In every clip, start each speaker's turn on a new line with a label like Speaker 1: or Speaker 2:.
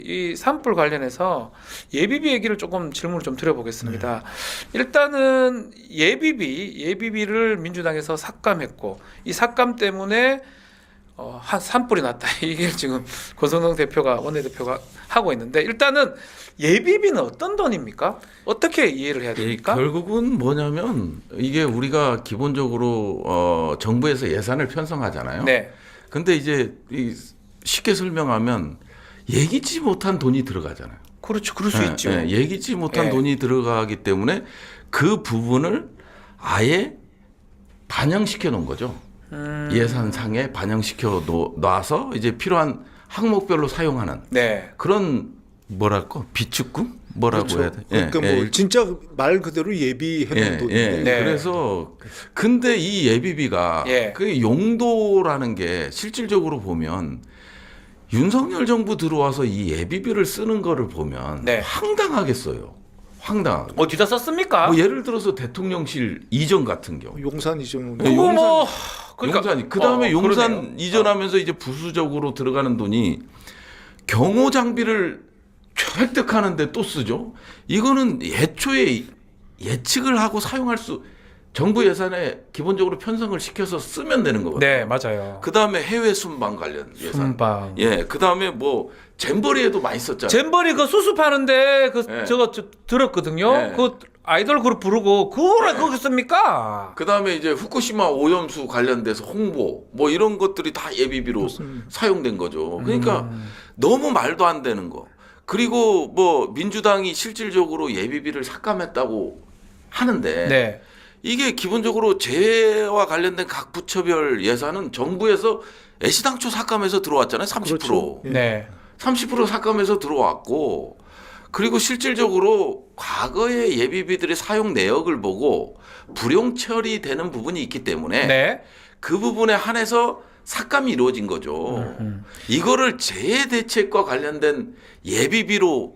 Speaker 1: 이 산불 관련해서 예비비 얘기를 조금 질문을 좀 드려보겠습니다. 일단은 예비비를 민주당에서 삭감했고 이 삭감 때문에 한 산불이 났다. 이게 지금 권성동 대표가 원내대표가 하고 있는데 일단은 예비비는 어떤 돈입니까? 어떻게 이해를 해야 됩니까?
Speaker 2: 결국은 뭐냐면 이게 우리가 기본적으로 정부에서 예산을 편성하잖아요.
Speaker 1: 네.
Speaker 2: 근데 이제 쉽게 설명하면 예기치 못한 돈이 들어가잖아요.
Speaker 1: 그렇죠. 그럴 수 있죠.
Speaker 2: 예기치 못한 돈이 들어가기 때문에 그 부분을 아예 반영시켜 놓은 거죠. 예산상에 반영시켜 놔서 이제 필요한 항목별로 사용하는 그런 뭐랄까 비축금 뭐라고
Speaker 3: 그렇죠.
Speaker 2: 해야 돼?
Speaker 3: 그러니까 뭐 진짜 말 그대로 예비해놓은 돈인데.
Speaker 2: 그래서 근데 이 예비비가 그 용도라는 게 실질적으로 보면 윤석열 정부 들어와서 이 예비비를 쓰는 거를 보면 황당하겠어요. 황당하게.
Speaker 1: 어디다 썼습니까?
Speaker 2: 뭐 예를 들어서 대통령실 이전 같은 경우.
Speaker 3: 용산 이전.
Speaker 1: 그러니까
Speaker 2: 용산이 그다음에 용산 이전하면서 이제 부수적으로 들어가는 돈이 경호 장비를 획득하는데 또 쓰죠. 이거는 애초에 예측을 하고 사용할 수 정부 예산에 기본적으로 편성을 시켜서 쓰면 되는 거거든요.
Speaker 1: 네, 맞아요.
Speaker 2: 그다음에 해외 순방 관련 예산.
Speaker 1: 순방.
Speaker 2: 그다음에 뭐 잼버리에도 많이 썼잖아요.
Speaker 1: 잼버리 그 수습하는데 저거 들었거든요. 그 아이돌 그룹 부르고 그거를 거기 씁니까?
Speaker 2: 그다음에 이제 후쿠시마 오염수 관련돼서 홍보 뭐 이런 것들이 다 예비비로 사용된 거죠. 그러니까 너무 말도 안 되는 거. 그리고 뭐 민주당이 실질적으로 예비비를 삭감했다고 하는데 이게 기본적으로 재해와 관련된 각 부처별 예산은 정부에서 애시당초 삭감해서 들어왔잖아요. 30%.
Speaker 3: 그렇죠.
Speaker 2: 30% 삭감해서 들어왔고 그리고 실질적으로 과거의 예비비들의 사용 내역을 보고 불용 처리되는 부분이 있기 때문에 그 부분에 한해서 삭감이 이루어진 거죠. 이거를 재해 대책과 관련된 예비비로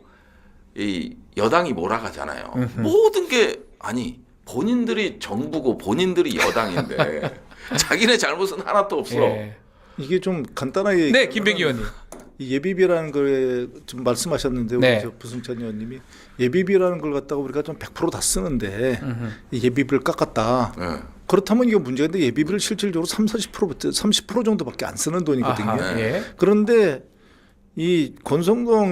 Speaker 2: 이 여당이 몰아가잖아요. 모든 게 아니 본인들이 정부고 본인들이 여당인데 자기네 잘못은 하나도 없어.
Speaker 3: 이게 좀 간단하게
Speaker 1: 네, 김백기 의원님.
Speaker 3: 이 예비비라는 걸 좀 말씀하셨는데 우리 저 부승찬 의원님이 예비비라는 걸 갖다가 우리가 좀 100% 다 쓰는데 이 예비비를 깎았다. 그렇다면 이거 문제인데 예비비를 실질적으로 30% 정도밖에 안 쓰는 돈이거든요. 그런데 이 권성동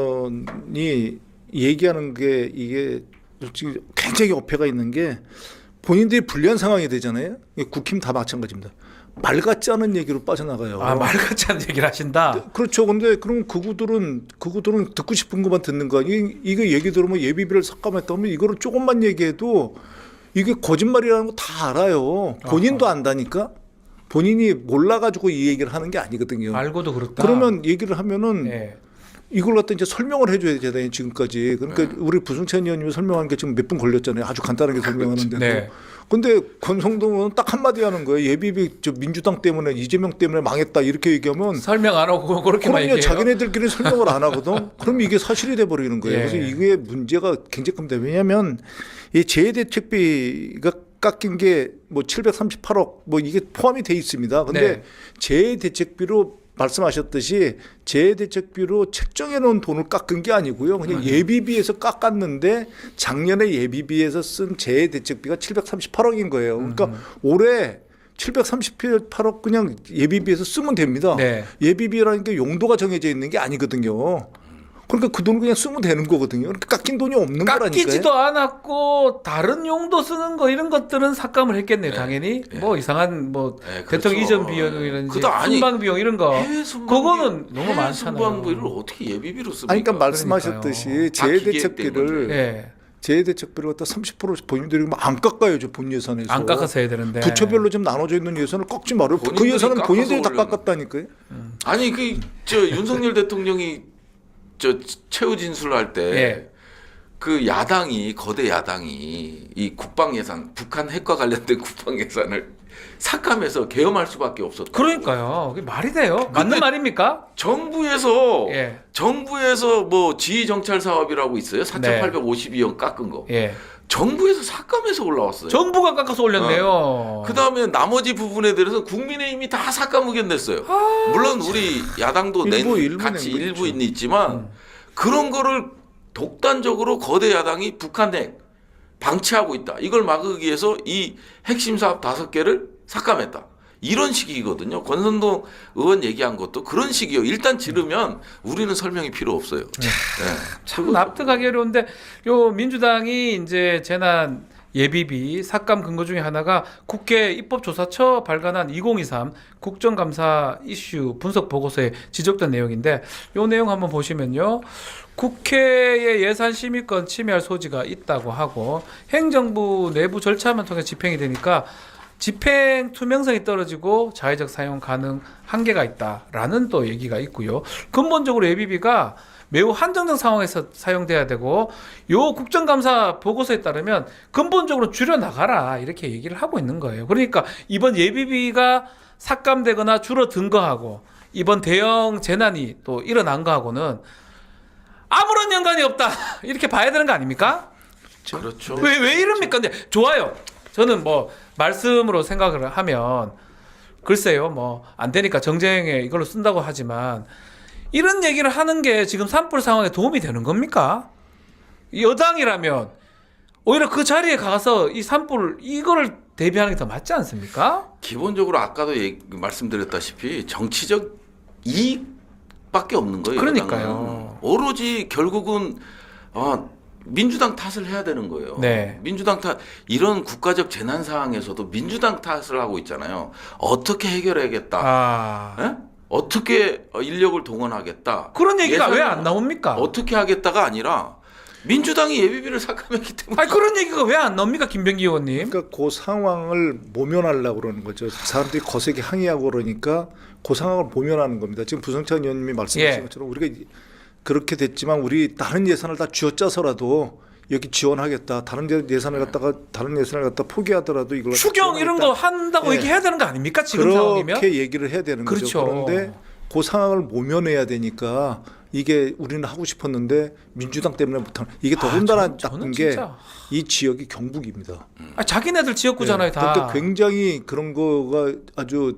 Speaker 3: 의원이 얘기하는 게 이게 솔직히 굉장히 어폐가 있는 게 본인들이 불리한 상황이 되잖아요. 국힘 다 마찬가지입니다. 말 같지 않은 얘기로 빠져나가요.
Speaker 1: 말 같지 않은 얘기를 하신다.
Speaker 3: 그렇죠. 근데 그럼 그구들은 듣고 싶은 것만 듣는 거 아니에요. 이거 얘기 들으면 예비비를 삭감했다면 이거를 조금만 얘기해도 이게 거짓말이라는 거 다 알아요. 본인도 안다니까. 본인이 몰라가지고 이 얘기를 하는 게 아니거든요.
Speaker 1: 알고도 그렇다.
Speaker 3: 그러면 얘기를 하면은 이걸 갖다 이제 설명을 해줘야 되잖아요. 지금까지. 그러니까 우리 부승찬 의원님이 설명하는 게 지금 몇 분 걸렸잖아요. 아주 간단하게 설명하는데도. 근데 권성동은 딱 한마디 하는 거예요. 예비비 민주당 때문에 이재명 때문에 망했다 이렇게 얘기하면
Speaker 1: 설명 안 하고 그렇게만 얘기해요.
Speaker 3: 자기네들끼리 설명을 안 하거든. 그럼 이게 사실이 돼버리는 거예요. 그래서 이게 문제가 굉장히 큽니다. 왜냐하면 이 재해대책비가 깎인 게 뭐 738억 뭐 이게 포함이 돼 있습니다. 근데 재해대책비로 말씀하셨듯이 재해대책비로 책정해 놓은 돈을 깎은 게 아니고요. 그냥 예비비에서 깎았는데 작년에 예비비에서 쓴 재해대책비가 738억인 거예요. 그러니까 올해 738억 그냥 예비비에서 쓰면 됩니다. 예비비라는 게 용도가 정해져 있는 게 아니거든요. 그러니까 그 돈을 그냥 쓰면 되는 거거든요. 그러니까 깎인 돈이 없는 거라니까요.
Speaker 1: 깎이지도 않았고 다른 용도 쓰는 거 이런 것들은 삭감을 했겠네요. 당연히 뭐 이상한 뭐 대통령 이전 비용이라든지 순방 비용 이런 거 그거는 너무 많잖아요.
Speaker 2: 순방비를 어떻게 예비비로 씁니까?
Speaker 3: 아니, 그러니까 말씀하셨듯이 재해대책비를 갖다 30% 본인들이 안 깎아요. 본 예산에서.
Speaker 1: 안 깎아서 해야 되는데.
Speaker 3: 부처별로 좀 나눠져 있는 예산을 꺾지 말아요. 그 예산은 본인들이 다 깎았다니까요.
Speaker 2: 아니 저 윤석열 대통령이 저 최후 진술할 때 그 야당이 거대 야당이 이 국방 예산 북한 핵과 관련된 국방 예산을 삭감해서 계엄할 수밖에 없었다.
Speaker 1: 그러니까요. 그게 말이 돼요? 맞는 말입니까?
Speaker 2: 정부에서 뭐 지휘 정찰 사업이라고 있어요. 4,852억 깎은 거. 정부에서 삭감해서 올라왔어요.
Speaker 1: 정부가 깎아서 올렸네요.
Speaker 2: 그 다음에 나머지 부분에 대해서 국민의힘이 다 삭감 의견 냈어요. 물론 우리 야당도 같이 일부는 있지만 그런 거를 독단적으로 거대 야당이 북한 핵 방치하고 있다. 이걸 막기 위해서 이 핵심 사업 5개를 삭감했다. 이런 식이거든요. 권선동 의원 얘기한 것도 그런 식이요. 일단 지르면 우리는 설명이 필요 없어요. 네.
Speaker 1: 참 납득하기 어려운데 요 민주당이 이제 재난 예비비 삭감 근거 중에 하나가 국회 입법조사처 발간한 2023 국정감사 이슈 분석 보고서에 지적된 내용인데 요 내용 한번 보시면요. 국회의 예산 심의권 침해할 소지가 있다고 하고 행정부 내부 절차만 통해 집행이 되니까 집행 투명성이 떨어지고 자의적 사용 가능 한계가 있다라는 또 얘기가 있고요. 근본적으로 예비비가 매우 한정적 상황에서 사용돼야 되고 요 국정감사 보고서에 따르면 근본적으로 줄여나가라 이렇게 얘기를 하고 있는 거예요. 그러니까 이번 예비비가 삭감되거나 줄어든 거하고 이번 대형 재난이 또 일어난 거하고는 아무런 연관이 없다 이렇게 봐야 되는 거 아닙니까?
Speaker 2: 그렇죠.
Speaker 1: 왜 이럽니까? 근데 좋아요. 저는 뭐 말씀으로 생각을 하면 글쎄요 뭐 안 되니까 정쟁에 이걸로 쓴다고 하지만 이런 얘기를 하는 게 지금 산불 상황에 도움이 되는 겁니까? 여당이라면 오히려 그 자리에 가서 이 산불 이거를 대비하는 게 더 맞지 않습니까?
Speaker 2: 기본적으로 아까도 말씀드렸다시피 정치적 이익밖에 없는 거예요.
Speaker 1: 그러니까요.
Speaker 2: 여당은. 오로지 결국은 민주당 탓을 해야 되는 거예요.
Speaker 1: 네.
Speaker 2: 민주당 탓, 이런 국가적 재난 상황에서도 민주당 탓을 하고 있잖아요. 어떻게 해결해야겠다. 예? 어떻게 인력을 동원하겠다.
Speaker 1: 그런 얘기가 왜 안 나옵니까?
Speaker 2: 어떻게 하겠다가 아니라 민주당이 예비비를 삭감했기 때문에.
Speaker 1: 아니 그런 얘기가 왜 안 나옵니까, 김병기 의원님?
Speaker 3: 그러니까 그 상황을 모면하려고 그러는 거죠. 사람들이 거세게 항의하고 그러니까 그 상황을 모면하는 겁니다. 지금 부성찬 의원님이 말씀하신 것처럼 우리가 그렇게 됐지만 우리 다른 예산을 다 쥐어짜서라도 여기 지원하겠다. 다른 예산을 갖다 포기하더라도 이걸
Speaker 1: 추경 이런 거 한다고
Speaker 3: 네.
Speaker 1: 얘기해야 되는 거 아닙니까? 지금 상황이면?
Speaker 3: 그렇게 얘기를 해야 되는
Speaker 1: 그렇죠.
Speaker 3: 거죠. 그런데 그 상황을 모면해야 되니까 이게 우리는 하고 싶었는데 민주당 때문에 못하는 이게 더군다나 나쁜 게 이 지역이 경북입니다.
Speaker 1: 자기네들 지역구잖아요, 다.
Speaker 3: 그러니까 굉장히 그런 거가 아주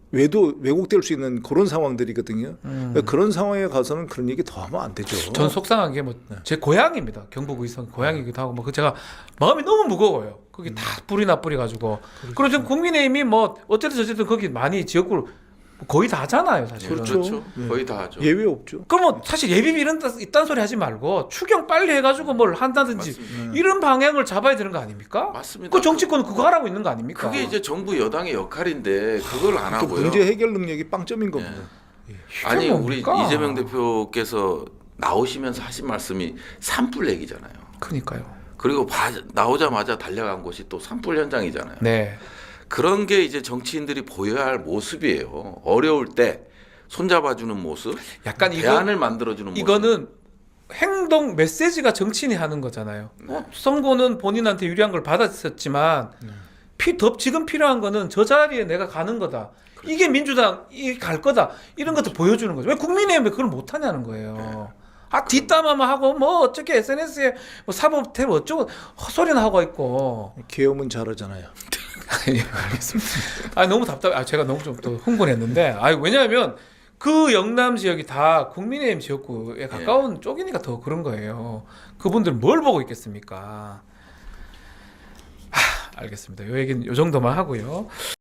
Speaker 3: 왜곡될 수 있는 그런 상황들이거든요. 그러니까 그런 상황에 가서는 그런 얘기 더 하면 안 되죠.
Speaker 1: 전 속상한 게 뭐 제 고향입니다. 경북 의성 고향이기도 하고 뭐 제가 마음이 너무 무거워요. 거기 다 뿌리 가지고. 그리고 지금 국민의힘이 뭐 어쨌든 저쨌든 거기 많이 지역구를 거의 다 하잖아요, 사실.
Speaker 2: 그렇죠. 거의 다 하죠.
Speaker 3: 예외 없죠.
Speaker 1: 그럼 뭐 사실 예비비 이딴 소리 하지 말고 추경 빨리 해가지고 뭘 한다든지
Speaker 2: 맞습니다.
Speaker 1: 이런 방향을 잡아야 되는 거 아닙니까?
Speaker 2: 맞습니다.
Speaker 1: 그 정치권은 그거 하라고 있는 거 아닙니까?
Speaker 2: 그게 이제 정부 여당의 역할인데 그걸 안
Speaker 3: 그
Speaker 2: 하고요.
Speaker 3: 문제 해결 능력이 빵점인 겁니다.
Speaker 2: 아니 우리
Speaker 1: 뭡니까?
Speaker 2: 이재명 대표께서 나오시면서 하신 말씀이 산불 얘기잖아요.
Speaker 1: 그러니까요.
Speaker 2: 그리고 나오자마자 달려간 곳이 또 산불 현장이잖아요.
Speaker 1: 네.
Speaker 2: 그런 게 이제 정치인들이 보여야 할 모습이에요. 어려울 때 손잡아주는 모습,
Speaker 1: 약간
Speaker 2: 대안을 만들어주는 모습.
Speaker 1: 이거는 행동 메시지가 정치인이 하는 거잖아요. 선거는 본인한테 유리한 걸 받았었지만 지금 필요한 거는 저 자리에 내가 가는 거다. 이게 민주당이 갈 거다. 이런 것도 보여주는 거죠. 왜 국민의힘 왜 그걸 못하냐는 거예요. 뒷담화만 하고 뭐 어떻게 SNS에 뭐 사법태로 어쩌고 헛소리나 하고 있고.
Speaker 3: 계엄은 잘하잖아요.
Speaker 1: 예, 알겠습니다. 너무 답답해. 제가 너무 좀 또 흥분했는데. 왜냐하면 그 영남 지역이 다 국민의힘 지역구에 가까운 쪽이니까 더 그런 거예요. 그분들 뭘 보고 있겠습니까? 알겠습니다. 요 얘기는 요 정도만 하고요.